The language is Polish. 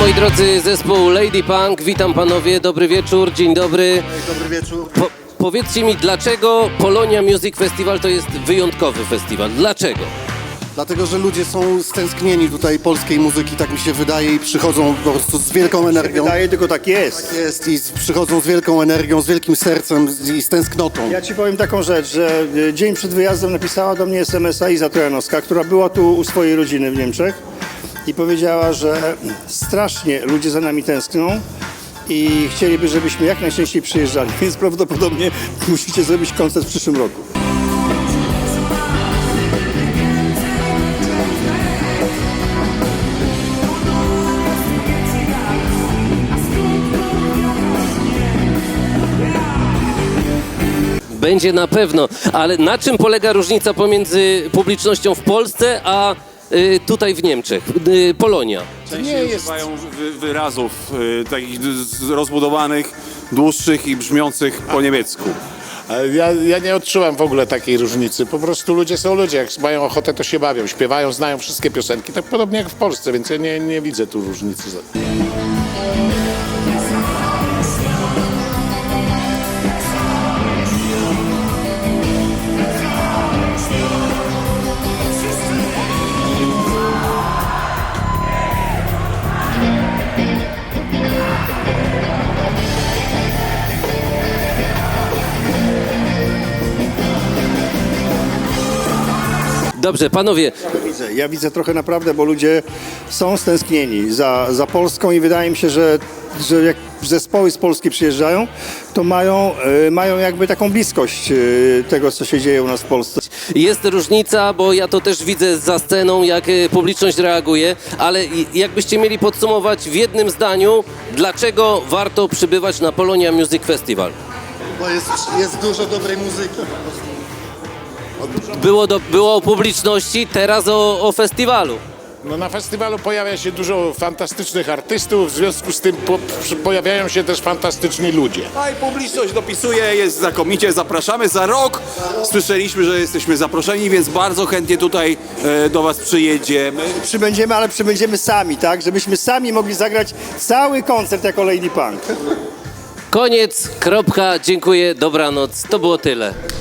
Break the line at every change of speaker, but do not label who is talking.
Moi drodzy, zespół Lady Punk, witam panowie, dobry wieczór, dzień dobry.
Dobry wieczór.
Powiedzcie mi, dlaczego Polonia Music Festival to jest wyjątkowy festiwal? Dlaczego?
Dlatego, że ludzie są stęsknieni tutaj polskiej muzyki, tak mi się wydaje, i przychodzą po prostu z wielką energią.
Wydaje, tylko tak jest.
Jest i przychodzą z wielką energią, z wielkim sercem i z tęsknotą.
Ja ci powiem taką rzecz, że dzień przed wyjazdem napisała do mnie SMS-a Iza Trojanowska, która była tu u swojej rodziny w Niemczech i powiedziała, że strasznie ludzie za nami tęsknią i chcieliby, żebyśmy jak najczęściej przyjeżdżali, więc prawdopodobnie musicie zrobić koncert w przyszłym roku.
Będzie na pewno, ale na czym polega różnica pomiędzy publicznością w Polsce a tutaj w Niemczech? Polonia.
Nie używają wyrazów takich rozbudowanych, dłuższych i brzmiących po niemiecku.
Ja nie odczuwam w ogóle takiej różnicy. Po prostu ludzie są ludzie. Jak mają ochotę, to się bawią, śpiewają, znają wszystkie piosenki. Tak podobnie jak w Polsce, więc ja nie widzę tu różnicy.
Dobrze, panowie,
Ja widzę trochę naprawdę, bo ludzie są stęsknieni za Polską i wydaje mi się, że jak zespoły z Polski przyjeżdżają, to mają jakby taką bliskość tego, co się dzieje u nas w Polsce.
jest różnica, bo ja to też widzę za sceną, jak publiczność reaguje, ale jakbyście mieli podsumować w jednym zdaniu, dlaczego warto przybywać na Polonia Music Festival?
Bo jest dużo dobrej muzyki.
Było o publiczności, teraz o festiwalu.
No, na festiwalu pojawia się dużo fantastycznych artystów, w związku z tym pojawiają się też fantastyczni ludzie.
A i publiczność dopisuje, jest znakomicie, zapraszamy za rok. Słyszeliśmy, że jesteśmy zaproszeni, więc bardzo chętnie tutaj do was przyjedziemy.
Przybędziemy, ale przybędziemy sami, tak? Żebyśmy sami mogli zagrać cały koncert jako Lady Punk.
Koniec, kropka, dziękuję, dobranoc, to było tyle.